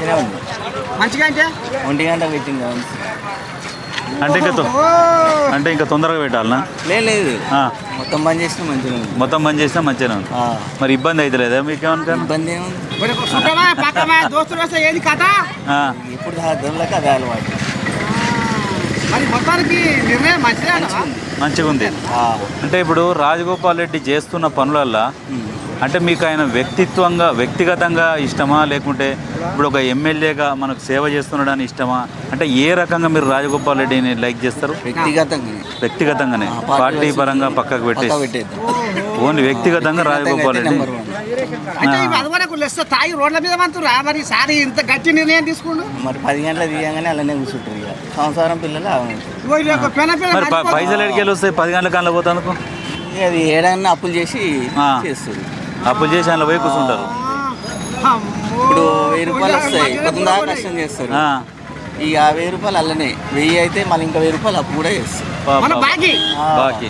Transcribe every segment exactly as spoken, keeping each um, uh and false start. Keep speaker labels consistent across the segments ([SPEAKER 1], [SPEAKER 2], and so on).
[SPEAKER 1] మంచిగా ఉంది.
[SPEAKER 2] మంచిగా అంటే
[SPEAKER 1] ఒంటి గంట పెట్టింది
[SPEAKER 3] అంటే ఇంకా తొ- అంటే ఇంకా తొందరగా పెట్టాలనా?
[SPEAKER 1] లేదు లేదు
[SPEAKER 3] ఆ,
[SPEAKER 1] మొత్తం బంద్ చేసినా మంచిగా ఉంది.
[SPEAKER 3] మొత్తం బంద్ చేసినా మంచిగానే ఉంది.
[SPEAKER 1] ఆ,
[SPEAKER 3] మరి ఇబ్బంది అవుతలేదా మీకు ఏమన్నా?
[SPEAKER 1] ఇబ్బంది ఏముంది.
[SPEAKER 2] మరి సుఖమా పక్కమా దోస్తులు వస్తే ఏది కథ?
[SPEAKER 1] ఇప్పుడు దొరలక అదే అలవాటు.
[SPEAKER 2] మరి మొత్తానికి నిర్ణయం మంచిదే అంటావా?
[SPEAKER 3] మంచిగా ఉంది.
[SPEAKER 1] ఆ,
[SPEAKER 3] అంటే ఇప్పుడు రాజగోపాల్ రెడ్డి చేస్తున్న పనులల్లో
[SPEAKER 1] ఉమ్.
[SPEAKER 3] అంటే మీకు ఆయన వ్యక్తిత్వంగా వ్యక్తిగతంగా ఇష్టమా, లేకుంటే ఇప్పుడు ఒక ఎమ్మెల్యేగా మనకు సేవ చేస్తున్నాడని ఇష్టమా? అంటే ఏ రకంగా మీరు రాజగోపాల్ రెడ్డిని లైక్ చేస్తారు?
[SPEAKER 1] వ్యక్తిగతంగా
[SPEAKER 3] వ్యక్తిగతంగానే,
[SPEAKER 1] ఆ, పార్టీ
[SPEAKER 3] పార్టీ
[SPEAKER 1] వైపు
[SPEAKER 3] పరంగా పక్కకు
[SPEAKER 1] పక్కా
[SPEAKER 3] పెట్టేసి
[SPEAKER 1] పెట్టేద్దాం.
[SPEAKER 3] ఓన్లీ వ్యక్తిగతంగా రాజగోపాల్ రెడ్డి.
[SPEAKER 1] Number one.
[SPEAKER 2] అంటే ఇవి అదివరకు లెస్త తాగి రోడ్ల మీద మంతురా మరి సారి ఇంత గట్టి నిర్ణయం తీసుకుండు.
[SPEAKER 1] మరి పది గంటల తీయగానే అలానే కూర్చుంటారు. ఇక సంవత్సరం పిల్లలు ఆగమవుతారు.
[SPEAKER 2] ఇగో ఇది ఒక పెన పెన
[SPEAKER 3] మరి ప-
[SPEAKER 2] నడిపోతుంది.
[SPEAKER 3] పైసలు ఎడికెళ్ళి వస్తాయి పది గంటల కన్నా పోతానుకో?
[SPEAKER 1] ఇక అది ఏడన్నా అప్పులు చేసి
[SPEAKER 3] ఆ.
[SPEAKER 1] చేస్తారు.
[SPEAKER 3] అప్పులు చేసి అందులో పోయి కూర్చుంటారు.
[SPEAKER 2] ఆ, అమ్మో.
[SPEAKER 1] ఇప్పుడు వెయ్యి రూపాయలు వస్తాయి, పొద్దున దాకా కష్టం చేస్తారు.
[SPEAKER 3] ఆ,
[SPEAKER 1] ఇక ఆ వెయ్యి రూపాయలు అల్లనే వెయ్యి అయితే మళ్ళీ ఇంకా వెయ్యి రూపాయలు అప్పు కూడా చేస్తారు.
[SPEAKER 3] పా-
[SPEAKER 2] మన
[SPEAKER 3] పా-
[SPEAKER 2] బాకీ
[SPEAKER 1] ఆ.
[SPEAKER 3] బాకీ.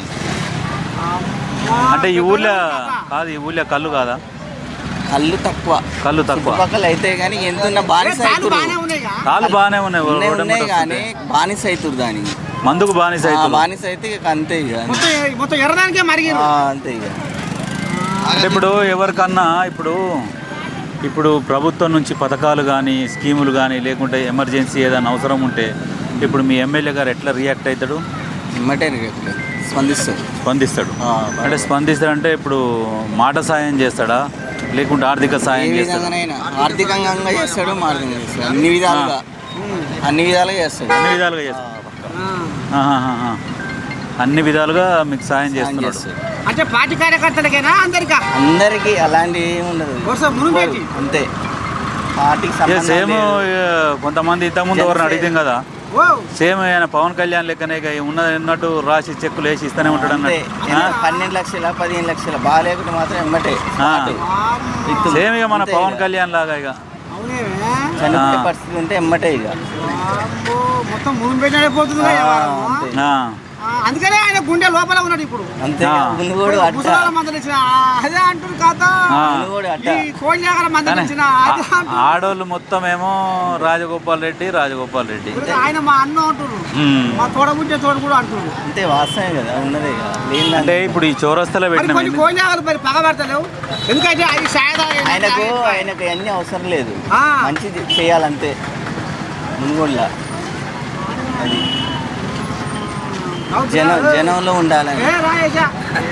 [SPEAKER 3] అంటే ఈ ఊళ్ళో కాదు, ఈ ఊళ్ళో కళ్ళు కాదా?
[SPEAKER 1] కళ్ళు తక్కువ,
[SPEAKER 3] కళ్ళు తక్కువ.
[SPEAKER 1] చుట్టుపక్కల అయితే కానీ ఎంతున్న బానిస
[SPEAKER 2] పాలు
[SPEAKER 1] అవుతురు.
[SPEAKER 2] బాగానే ఉన్నాయిగా.
[SPEAKER 3] కాళ్ళు బాగానే ఉన్నాయి.
[SPEAKER 1] ఉన్నాయి
[SPEAKER 3] రోడ్డు
[SPEAKER 1] ఉన్నాయి
[SPEAKER 3] మీద
[SPEAKER 1] కానీ
[SPEAKER 3] వస్తుంటే.
[SPEAKER 1] బానిస అవుతురు దానికి.
[SPEAKER 3] మందుకు బానిస
[SPEAKER 1] ఆ,
[SPEAKER 3] అవుతుంది.
[SPEAKER 1] బానిస అయితే ఇక అంతే ఇక.
[SPEAKER 2] మొత్తం మొత్తం ఎర్రదానికే మరిగి
[SPEAKER 1] ఆ, అంతే ఇక.
[SPEAKER 3] అంటే ఇప్పుడు ఎవరికన్నా ఇప్పుడు ఇప్పుడు ప్రభుత్వం నుంచి పథకాలు కానీ స్కీములు కానీ లేకుంటే ఎమర్జెన్సీ ఏదైనా అవసరం ఉంటే ఇప్పుడు మీ ఎమ్మెల్యే గారు ఎట్లా రియాక్ట్ అవుతాడు?
[SPEAKER 1] ఇమ్మటే రేపు స్పందిస్తారు.
[SPEAKER 3] స్పందిస్తాడు.
[SPEAKER 1] ఆ,
[SPEAKER 3] అంటే స్పందిస్తాడంటే ఇప్పుడు మాట సాయం చేస్తాడా, లేకుంటే ఆర్థిక
[SPEAKER 1] ఏ
[SPEAKER 3] సాయం చేస్తాడా?
[SPEAKER 1] విధంగానైనా ఆర్థికంగా చేస్తాడు, మార్గంగా చేస్తాడు, అన్ని విధాలుగా అన్ని విధాలుగా చేస్తాడు.
[SPEAKER 3] అన్ని విధాలుగా చేస్తాడు.
[SPEAKER 1] ఆ,
[SPEAKER 3] ఆహాహాహా. అన్ని విధాలుగా మీకు సాయం
[SPEAKER 1] సాయం
[SPEAKER 3] చేస్తున్నాడు.
[SPEAKER 1] చేస్తాడు.
[SPEAKER 2] అంటే పార్టీ కార్యకర్తలకేనా అందరికా?
[SPEAKER 1] అందరికీ అలాంటి ఏమి ఉండదు.
[SPEAKER 2] వరుస మునుపేటి.
[SPEAKER 1] అంతే పార్టీకి
[SPEAKER 3] ఇక
[SPEAKER 1] సంబంధం
[SPEAKER 3] సేమ్
[SPEAKER 1] లేదు.
[SPEAKER 3] కొంతమంది ఇంతకుముందు ఎవరిని అడిగితే కదా,
[SPEAKER 2] ఓ
[SPEAKER 3] సేమ్ ఆయన పవన్ కళ్యాణ్ లెక్కనే ఇక ఉన్నది ఉన్నట్టు రాసి చెక్కులు వేసి ఇస్తూనే ఉంటాడు
[SPEAKER 1] అంతే.
[SPEAKER 3] అన్నట్టు.
[SPEAKER 1] ఎంత పన్నెండు లక్షల పదిహేను లక్షల బాగా లేకుంటే మాత్రం ఎమ్మటే
[SPEAKER 3] ఆ.
[SPEAKER 1] స్పాట్. విత్తు.
[SPEAKER 3] సేమ్ ఇక మన
[SPEAKER 1] అంతే
[SPEAKER 3] పవన్
[SPEAKER 1] ఇక.
[SPEAKER 3] కళ్యాణ్ లాగా ఇక
[SPEAKER 2] అవునేవే.
[SPEAKER 1] చనిపోయే
[SPEAKER 3] ఆ.
[SPEAKER 1] పరిస్థితి ఉంటే ఎమ్మటే ఇక.
[SPEAKER 2] అమ్మో, మొత్తం మునుపేటి అయిపోతుంది
[SPEAKER 1] ఆ, అంతే.
[SPEAKER 3] ఆ,
[SPEAKER 2] అందుకనే ఆయన గుండె లోపల ఉన్నాడు ఇప్పుడు.
[SPEAKER 1] అంతే
[SPEAKER 3] ఆ.
[SPEAKER 1] ముందు కూడా అట్ట
[SPEAKER 2] ముసలాల మందలు ఇచ్చిన అదే అంటారు కాదా,
[SPEAKER 3] ఆ.
[SPEAKER 1] ముందు కూడా అట్ట.
[SPEAKER 2] ఈ కోళ్ళ మందలు
[SPEAKER 3] కానీ
[SPEAKER 2] ఇచ్చిన అదే అంటారు.
[SPEAKER 3] ఆడోళ్ళు మొత్తం ఏమో రాజగోపాల్ రెడ్డి రాజగోపాల్ రెడ్డి.
[SPEAKER 2] ఆయన మా అన్న అంటారు,
[SPEAKER 3] ఉమ్.
[SPEAKER 2] మా తోడబుట్టే తోడు కూడా అంటారు.
[SPEAKER 1] అంతే వాస్తవమే కదా ఉన్నదే ఇక. లేనిదాన్ని-
[SPEAKER 3] అంటే ఇప్పుడు ఈ చౌరస్తలో
[SPEAKER 2] మరి
[SPEAKER 3] పెట్టిన
[SPEAKER 2] కొన్ని కోళ్ళాగలు మరి పగబడతలేవు, ఎందుకంటే అది సాయదా
[SPEAKER 1] ఆయనకు ఆయనకు అన్ని అవసరం లేదు,
[SPEAKER 2] ఆ.
[SPEAKER 1] మంచిది చేయాలంతే మునుగోడులా. అది జనం జనంలో ఉండాలని.
[SPEAKER 2] ఏ రాయేశా